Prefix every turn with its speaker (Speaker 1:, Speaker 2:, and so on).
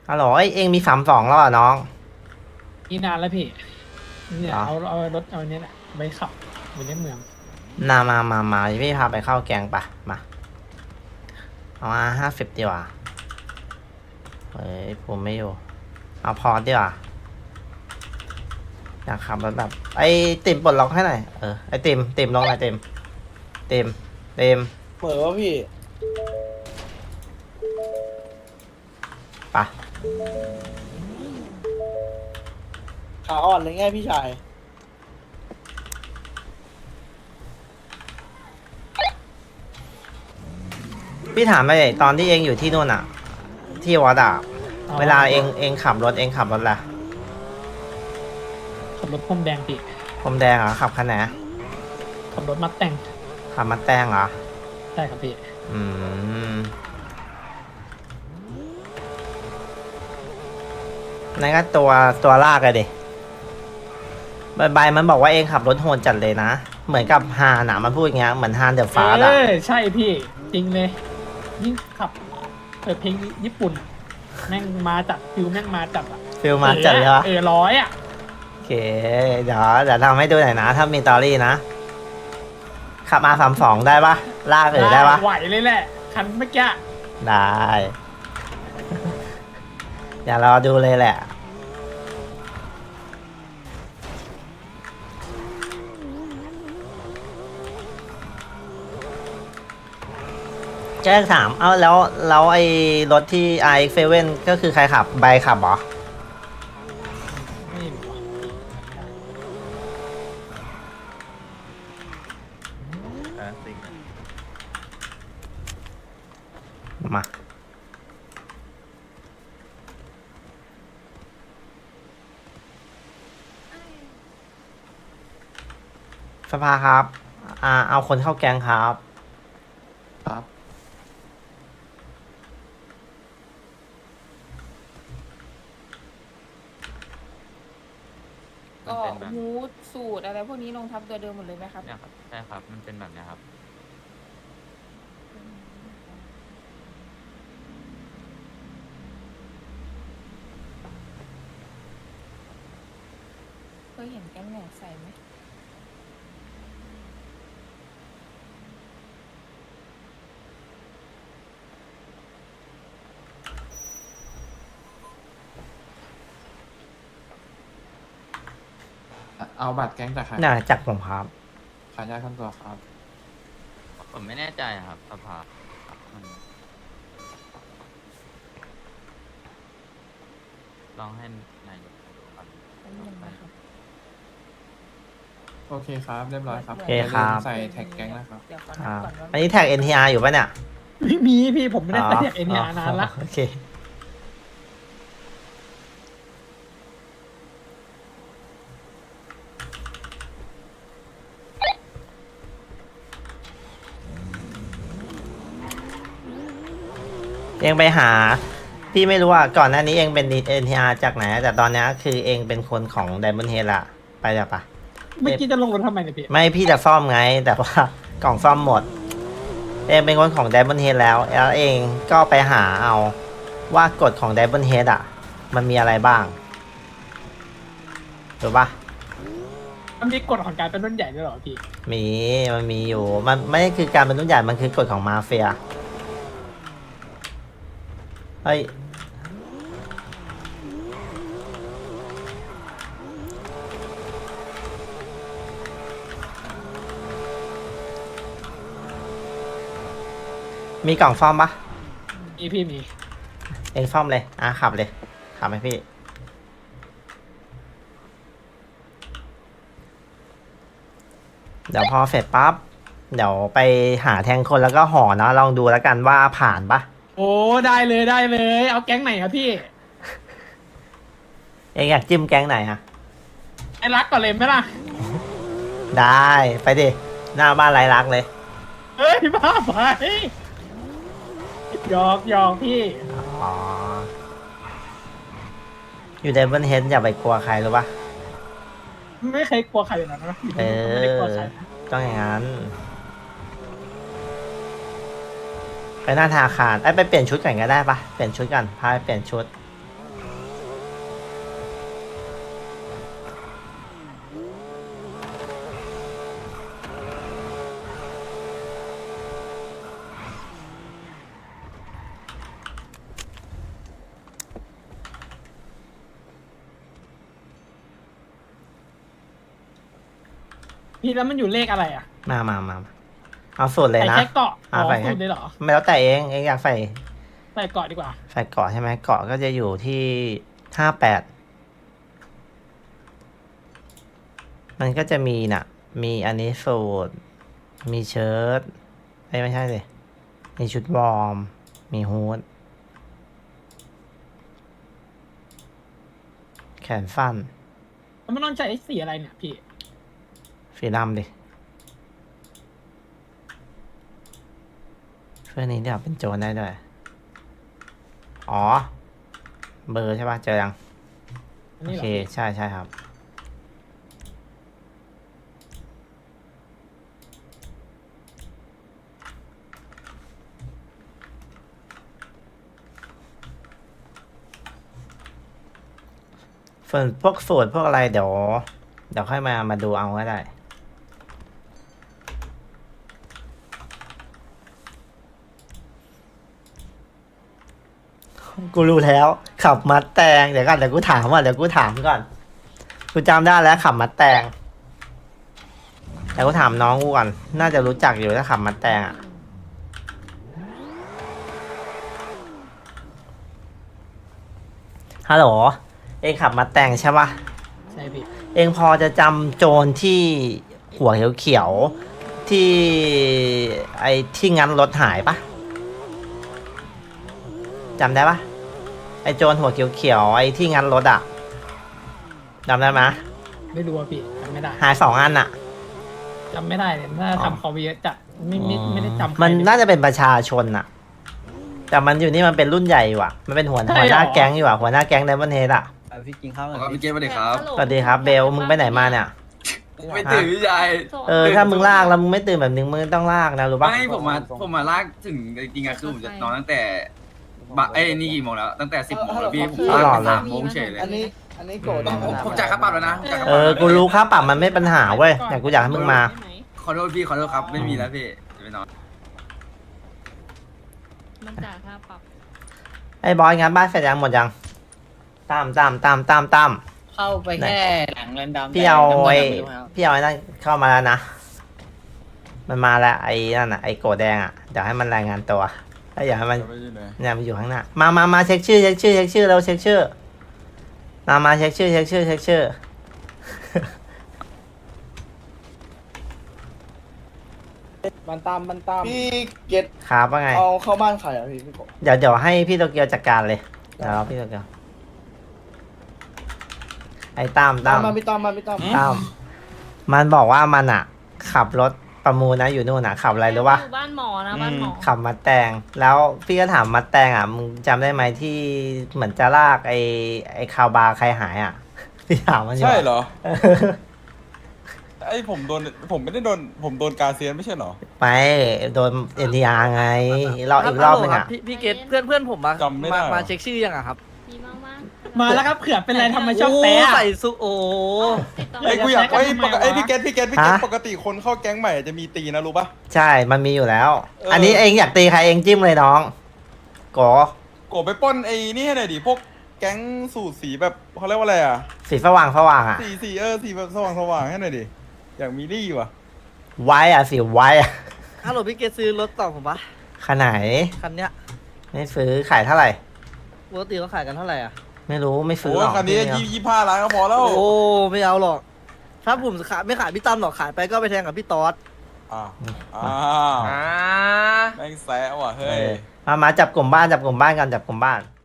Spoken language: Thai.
Speaker 1: ฮัลโหลเองมี32แล้วเหรอน้อง
Speaker 2: นี่นานแล้วพี่เนี่ย
Speaker 1: เหรอ
Speaker 2: เอารถเอาเนี้ยแหละไปขับไปในเมือง
Speaker 1: มาพี่พาไปเข้าแกงปะมาเอามา50ดีกว่าเฮ้ยผมไม่อยู่เอาพอดีกว่าอยากขับรถแบบไอติมปลดล็อกให้หน่อยไอติมลงหน่อยติม
Speaker 3: เหมือนว่าพี่
Speaker 1: ปะ
Speaker 3: ขาอ่อนเลยไงพี่ชาย
Speaker 1: พี่ถามไปตอนที่เองอยู่ที่นู่นอะที่วัดอะ
Speaker 2: เอา
Speaker 1: เวลาเองขับรถละ
Speaker 2: ขับรถพรมแดงพี่
Speaker 1: ผมแดงเหรอขับคันไหน
Speaker 2: ขับรถมัดแต่ง
Speaker 1: ขับมาแตงเหรอ
Speaker 2: ใช่ครับพี่
Speaker 1: อืมนั่นก็ตัวลากเลยดิใบมันบอกว่าเองขับรถโหดจัดเลยนะเหมือนกับฮานอะมันพูดอย่างเงี้ยเหมือนฮานเดอะฟาสอะ
Speaker 2: ใช่พี่จริงเลยยิ่งขับเปิดเพลงญี่ปุ่นแม่งมาจัดฟิลแม่งมาจัดอ่ะ
Speaker 1: ฟิลมาจัดเลยวะ
Speaker 2: ร้อยอ่ะ
Speaker 1: โอเคเดี๋ยวทำให้ดูหน่อยนะถ้ามีตอรี่นะขับมา32ได้ปะลากได้ปะ
Speaker 2: ไหวเลยแหละคันเมื่อกี้
Speaker 1: ได้อย่ารอดูเลยแหละแจ้งถามแล้วไอ้รถที่ RX7 ก็คือใครขับใบขับเหรอ
Speaker 2: ไม่รู้
Speaker 1: มาสภาครับเอาคนเข้าแกงครับ
Speaker 4: ครับ
Speaker 5: ก็ฮูดสูตรอะไรพวกนี้ลงทับตัวเดิมหมดเลยไหมครับ
Speaker 4: เนี่ยครับใช่ครับมันเป็นแบบเนี้ยครับ
Speaker 5: เคยเห็นแก๊งไหนใส่ไหม
Speaker 4: เอาบัตรแก๊งจากใคร
Speaker 1: น่าจักผมครับ
Speaker 4: ขายยาขั้นตัวครับผมไม่แน่ใจครับสภามันลองให้นายกดูครับ
Speaker 5: เป็นยังไงครับ
Speaker 4: โอเคครับเรียบร้อยครับ
Speaker 1: โอเคครับ
Speaker 4: ใส่แท็กแก๊งนะครับ
Speaker 5: เดี๋ยวขอนับก่อนว่า
Speaker 1: อันนี้แท็ก NTR อยู่ปะเนี่ย
Speaker 2: ไม่มีพี่ผมไม่ได้ใส่เอ็นยานานละ
Speaker 1: โอเคเองไปหาพี่ไม่รู้อ่ะก่อนหน้านี้เองเป็น NTR จากไหนแต่ตอนนี้คือเองเป็นคนของ Diamond Head ละไปจ้ะปะ
Speaker 2: เมื่อกี้จะลงรถทำไมเนี่ยพี่
Speaker 1: ไม่พี่จะซ่อมไงแต่ว่ากล่องซ่อมหมดเองเป็นคนของ Diamond Head แล้วเองก็ไปหาเอาว่ากฎของ Diamond Head อ่ะมันมีอะไรบ้างถูกปะ
Speaker 2: มันมีกฎของการเป็นรุ่นใหญ่ด้วยเหรอพี่
Speaker 1: มันมีอยู่มันไม่ได้คือการเป็นรุ่นใหญ่มันคือกฎของมาเฟียเฮ้ยมีกล่องซ่อมปะ
Speaker 2: พี่มี
Speaker 1: เองซ่อมเลยขับเลยขับให้พี่เดี๋ยวพอเสร็จปั๊บเดี๋ยวไปหาแทงคนแล้วก็ห่อเนาะลองดูแล้วกันว่าผ่านปะ
Speaker 2: โอ้ได้เลยเอาแก๊งไหนครับพี่
Speaker 1: เองอยากจิ้มแก๊งไหนอะ
Speaker 2: ไอ้รักก่อนเลยไหมล่ะ
Speaker 1: ได้ไปดิหน้าบ้านไรรักเลย
Speaker 2: เฮ้ยบ้าไปหยอกพี่
Speaker 1: อ๋ออยู่ในบนเฮดอย่าไปกลัวใครรู้ปะ
Speaker 2: ไม่เคยกลัวใครเลยนะไม่ได้กลัวใคร
Speaker 1: ต้องอย่างนั้นไปหน้าธนาคารไปเปลี่ยนชุดก่อนก็ได้ปะเปลี่ยนชุดก่อนพาไปเปลี่ยนชุด
Speaker 2: พี่แล้วมันอยู่เลขอะไรอ่ะ
Speaker 1: มาเอาสูตรเลย
Speaker 2: ใส่
Speaker 1: นะ
Speaker 2: แค่เกาะอ๋อ
Speaker 1: ใส่แค่
Speaker 2: สูตรเลยเหรอ
Speaker 1: ไม่แล้วแต่เองอยากใส่
Speaker 2: ใส่เกาะดีกว่า
Speaker 1: ใส่เกาะใช่ไหมเกาะก็จะอยู่ที่58มันก็จะมีน่ะ มีอันนี้สูตรมีเชิ้ตไม่ใช่เลยมีชุดวอร์มมีฮูดแขนสั้น
Speaker 2: แล้วมันต้องใช้สีอะไรเนี่ยพี่
Speaker 1: สีดำดิเพื่อนนี้เดี๋ยวเป็นโจรได้ด้วย อ๋อ เบอร์ใช่ป่ะ เจอยัง
Speaker 2: อัน
Speaker 1: โอ
Speaker 2: นี้เหร
Speaker 1: เค
Speaker 2: อ
Speaker 1: ใช่ครับ ส่วนพวกสูตรพวกอะไรเดี๋ยวค่อยมาดูเอาก็ได้ กูรู้แล้ว ขับมัดแตงเดี๋ยวกูถามก่อนกูจำได้แล้วขับมัดแตงแต่กูถามน้องกูก่อนน่าจะรู้จักอยู่ถ้าขับมัดแตงอ่ะฮัลโหลเองขับมัดแตงใช่ปะ
Speaker 2: ใช่พี่
Speaker 1: เองพอจะจำโจรที่หัวเขียวๆที่ไอ้ที่งั้นรถหายปะจำได้ปะไอ้โจรหัวเขียวๆไอ้ที่งั้นรถอะจำได้ไหม
Speaker 2: ไม่รู้อ่ะพี่จำไม่ได้
Speaker 1: หาย2 อันอะ
Speaker 2: จำไม่ได้เลยน่าจะทำเขาไปเยอะจัดไม่ได้จำใคร
Speaker 1: มัน
Speaker 2: เลย
Speaker 1: น่าจะเป็นประชาชนอะแต่มันอยู่นี่มันเป็นรุ่นใหญ่ว่ะ มันเป็นหัวหน้าแก๊งอยู่ว่ะหัวหน้าแก๊งไดมอนด์เฮดอะ
Speaker 3: พี่กินข้าวหน่อย
Speaker 6: ครับพี่เกมสวัสดีครับ
Speaker 1: สวัสดีครับเบลมึงไปไหนมาเนี่ย
Speaker 6: ไม่ตื่นพี่ชาย
Speaker 1: ถ้ามึงลากแล้วมึงไม่ตื่นแบบนึงมึงต้องลากนะรู้ปะ
Speaker 6: ไม่ผมมาลากถึงจริงๆอะคือผมจะนอนตั้งแต่นี่กี่โมงแล้วตั้งแต่10 โมงแล้วพี่ผมลากไป3 โมงเฉยเลย
Speaker 3: อันนี้โกรธ
Speaker 6: ผมจ่ายค่าปรับแล้วนะผมจ่ายค่าป
Speaker 1: เอ
Speaker 6: รับ
Speaker 1: อกูรู้ค่าปรับมันไม่ปัญหาเว้ยแต่กูอยากให้มึงมา
Speaker 6: ขอโทษพี่ขอโทษครับไม่มีแล้วพี่จะไปนอน
Speaker 5: มันจ่ายค่าปรับ
Speaker 1: ไอ้บอยงานบ้านเสร็จยังหมดยังตาม
Speaker 7: เข้าไปแค่หลังเรือนดำ
Speaker 1: พี่เอา
Speaker 7: แต่
Speaker 1: ไอ้
Speaker 7: น้ำเงินไม่รู้ครับ
Speaker 1: พี่เอาไอ้นั่นเข้ามาแล้วนะ มันมาแล้วไอ้นั่นอ่ะไอ้โกแดงอ่ะเดี๋ยวให้มันรายงานตัวแล้วอย่าให้มันเนี่ยมันอยู่ข้างหน้ามาเช็คชื่อเราเช็คชื่อมาเช็คชื่อ
Speaker 3: มันตามพี่เกต
Speaker 1: ครับว่าไง
Speaker 3: เอาเข้าบ้านใครอ่ะพี่โกรธ
Speaker 1: เดี๋ยวให้พี่โตเกียวจัดการเลยเดี๋ยวเราพี่โตเกียวไอ้ตาม
Speaker 3: มาพี่ตั้ม
Speaker 1: มันบอกว่ามันอ่ะ ขับรถประมูลนะอยู่นู่นอ่ะขับอะไรหรือวะ
Speaker 5: อยู่บ้านหมอนะบ้านหมอ
Speaker 1: ขับมาแตงแล้วพี่ก็ถามมาแตงอ่ะมึงจำได้ไหมที่เหมือนจะลากไอ้คาวบาร์ใครหายอ่ะ พี่ถามมันอยู่
Speaker 8: ใช่เหรอ
Speaker 1: เออ
Speaker 8: ไอ้ผมไม่ได้โดนผมโดนกาเซียนไม่ใช่เหรอ
Speaker 1: ไม่โดนเอ็นทีอาร์ไงรอบอีกรอบนึงอ่ะ
Speaker 7: พี่เกตเพื่อนผมมา
Speaker 8: จำไม่ได้หรอ
Speaker 7: มาเช็คชื่อยังอะครับ
Speaker 5: ดีมากมาก
Speaker 2: มาแล้วครับเผื่อเป็นไรทำไมชอบ
Speaker 7: โอ้
Speaker 2: แป๊ะ
Speaker 7: ใส่ซุโอ้
Speaker 5: ติดต่อ
Speaker 8: ไอ้ยกูอยาก
Speaker 2: จะใช้
Speaker 8: ไอ้
Speaker 2: กันทำไมวะ
Speaker 8: ไอ้พี่เกตปกติคนเข้าแก๊งใหม่จะมีตีนะรู้ปะ
Speaker 1: ใช่มันมีอยู่แล้ว
Speaker 8: เอออั
Speaker 1: อันนี้เองอยากตีใครเองจิ้มเลยน้องโก
Speaker 8: โกไปปล้นไอ้นี่ให้หน่อยดิพวกแก๊งสูตรสีแบบเขาเรียกว่าอะไรอ่ะ
Speaker 1: สีสว่างอ่ะ
Speaker 8: สีแบบสว่างให้หน่อยดิอยากมีรี่ว่ะ
Speaker 1: ไว้อ่ะสีไว้อ่ะ
Speaker 7: ฮัลโหลพี่เกตซื้อรถต่อผมปะ
Speaker 1: ขนาดไหน
Speaker 7: คันเนี้ย
Speaker 1: ไม่ซื้อขายเท่าไหร่
Speaker 7: ปกติเขาขายกันเท่าไหร่อ่ะ
Speaker 1: ไม่รู้ไม่ซื้อ
Speaker 8: โอ้
Speaker 1: หร
Speaker 8: ย
Speaker 1: อก
Speaker 8: คันนี้
Speaker 1: พี่ไม่เอา
Speaker 8: 25 ล้านก็พอแล้ว
Speaker 7: โอ้ไม่เอาหรอก ถ้าผมขายไม่ขายพี่ตั้มหรอกขายไปก็ไปแทงกับพี่ตอด
Speaker 8: อ่าแม่งแซะว่ะเฮ้
Speaker 1: เอย อมาจับกลุ่มบ้านกันจับกลุ่มบ้าน